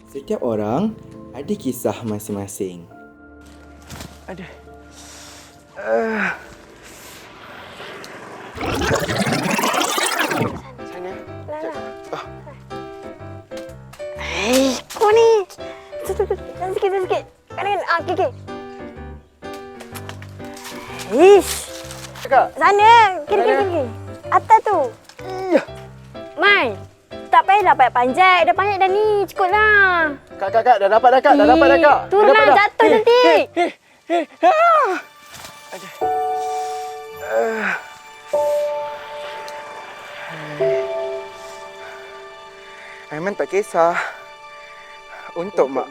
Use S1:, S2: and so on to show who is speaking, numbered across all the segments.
S1: Setiap orang ada kisah masing-masing.
S2: Aduh. Sana.
S3: Kau ni. Sikit. Kanan. Okey.
S2: Kakak.
S3: Sana. Kiri. Atas tu. Man. Tak payahlah panjat. Dah panjat dah ni. Cukup lah.
S2: Kak. Dah dapat dah, Kak.
S3: Turun lah. Jatuh nanti.
S2: Aiman tak kisah. Untuk mak.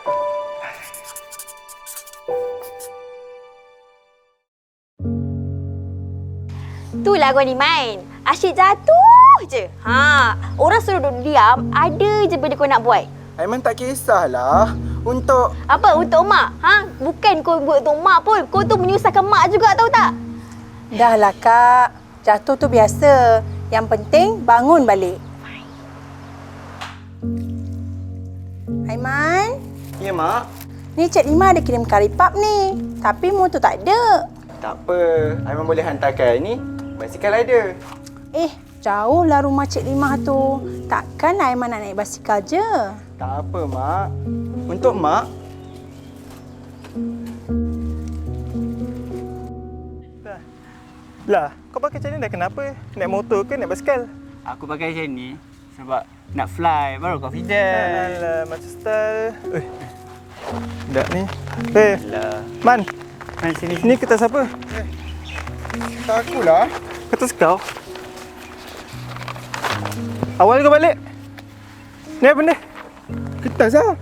S3: Itulah kau ni main. Asyik jatuh je. Orang suruh duduk diam, ada je benda kau nak buat.
S2: Aiman tak kisahlah. Untuk...
S3: Apa? Untuk mak? Bukan kau buat untuk mak pun. Kau tu menyusahkan mak juga, tahu tak?
S4: Dah lah, Kak. Jatuh tu biasa. Yang penting bangun balik. Aiman?
S2: Ya, Mak.
S4: Ni Cik Lima ada kirim karipap ni. Tapi motor tak ada.
S2: Tak apa. Aiman boleh hantarkan ni. Basikal ada.
S4: Jauh lah rumah Cik Lima tu. Takkan Aiman nak naik basikal je.
S2: Tak apa, Mak. Untuk Mak. Lah, kau pakai macam ni dah kenapa? Naik motor ke naik basikal?
S5: Aku pakai macam ni sebab nak fly baru confident.
S2: Alah, macam style. Tak ni.
S5: Alah.
S2: Man.
S5: Man, sini.
S2: Ni kertas apa? Tak akulah. Kertas kau? Awal kau balik. Ni apa benda? Kertas lah.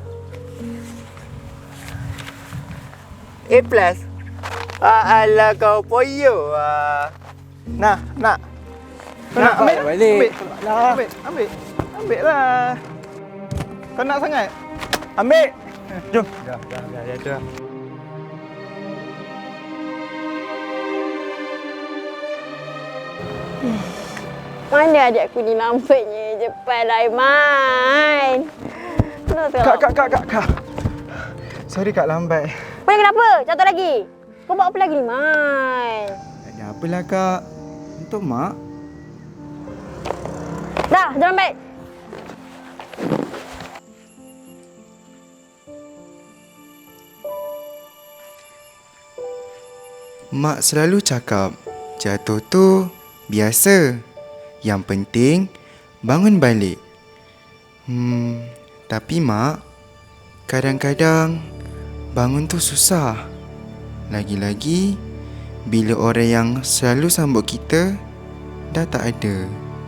S5: A+. Alah kau poyo ah.
S2: Nak. Kau nak ambil?
S5: Balik.
S2: Ambil lah. Kau nak sangat? Ambil. Jom.
S5: Dah tu.
S3: Mana adik aku ni lambatnya cepat lah, Aiman.
S2: Kak. Sorry Kak lambat.
S3: Man, kenapa? Jatuh lagi? Kau buat apa lagi ni, Man?
S1: Tak ada apalah, Kak. Untuk mak.
S3: Dah, jalan baik.
S1: Mak selalu cakap, jatuh tu biasa. Yang penting, bangun balik. Tapi Mak, kadang-kadang bangun tu susah. Lagi-lagi, bila orang yang selalu sambut kita, dah tak ada.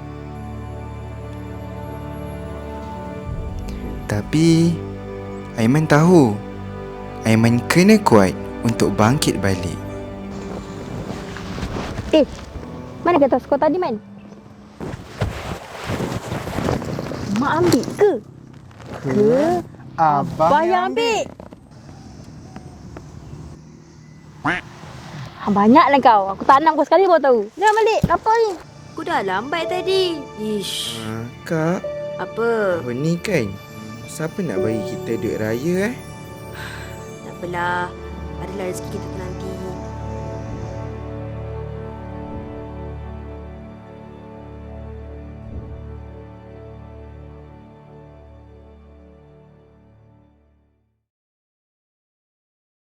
S1: Tapi, Aiman tahu, Aiman kena kuat untuk bangkit balik.
S3: Mana kertas kau tadi, Man? Mak ambil ke? Abang yang ambil. Banyaklah kau. Aku tanam kau sekali baru tahu. Dah balik. Lapar ni.
S6: Aku dah lambat tadi. Ish.
S1: Kak,
S6: Apa?
S1: tahun ni kan, siapa nak bagi kita duit raya
S6: Tak apalah. Adalah rezeki kita telah